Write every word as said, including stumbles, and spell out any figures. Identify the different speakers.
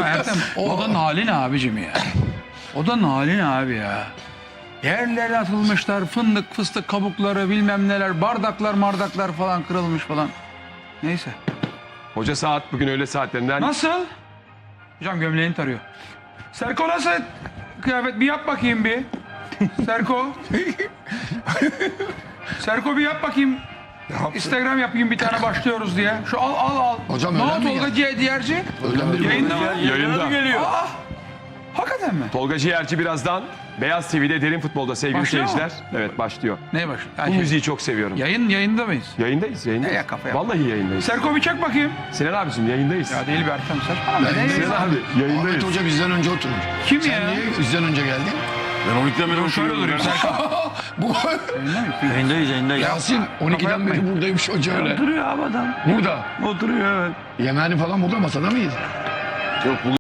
Speaker 1: Ertem, o da nalin abicim ya. O da nalin abi ya. Yerlere atılmışlar, fındık, fıstık kabukları, bilmem neler, bardaklar, mardaklar falan kırılmış falan. Neyse.
Speaker 2: Hoca saat bugün öğle saatlerinden.
Speaker 1: Nasıl? Hocam gömleğini tarıyor. Serko nasıl kıyafet? Bir yap bakayım bir. Serko. Serko bir yap bakayım. Instagram yapayım bir tane başlıyoruz diye. Şu al al al.
Speaker 3: Hocam
Speaker 1: ne
Speaker 3: öyle
Speaker 1: oldu
Speaker 3: mi
Speaker 1: Tolga Ciğer- Ciğerci?
Speaker 3: Öğlen biri
Speaker 1: Yayında mı?
Speaker 2: Yayında.
Speaker 1: geliyor. Aa, hakikaten mi?
Speaker 2: Tolga Ciğerci birazdan Beyaz T V'de Derin Futbol'da sevgili
Speaker 1: Başlıyor mu?
Speaker 2: seyirciler. Evet başlıyor.
Speaker 1: Ne baş?
Speaker 2: Bu müziği çok seviyorum.
Speaker 1: Yayın yayında mıyız?
Speaker 2: Yayındayız, yayındayız.
Speaker 1: Ya, kafa yap.
Speaker 2: Vallahi yayındayız.
Speaker 1: Serko bir çek bakayım.
Speaker 2: Sinan abicim yayındayız.
Speaker 1: Ya değil bir Ertem saçmalama. Ne
Speaker 3: Yayındayız.
Speaker 1: yayını?
Speaker 2: Sinan abi yayındayız.
Speaker 3: Ahmet Hoca bizden önce oturur.
Speaker 1: Kim
Speaker 3: Sen
Speaker 1: ya?
Speaker 3: niye bizden önce geldin?
Speaker 4: Ben on ikiden beri
Speaker 1: Şöyle durayım Serko.
Speaker 3: Bu
Speaker 1: Yayında mıyız?
Speaker 4: Yayındayız yayındayız.
Speaker 3: Yasin on ikiden beri buradaymış hoca öyle.
Speaker 4: Oturuyor abi adam.
Speaker 3: Burada.
Speaker 4: Oturuyor evet.
Speaker 3: Yemeğini falan burada masada mıydı?
Speaker 4: Yok bu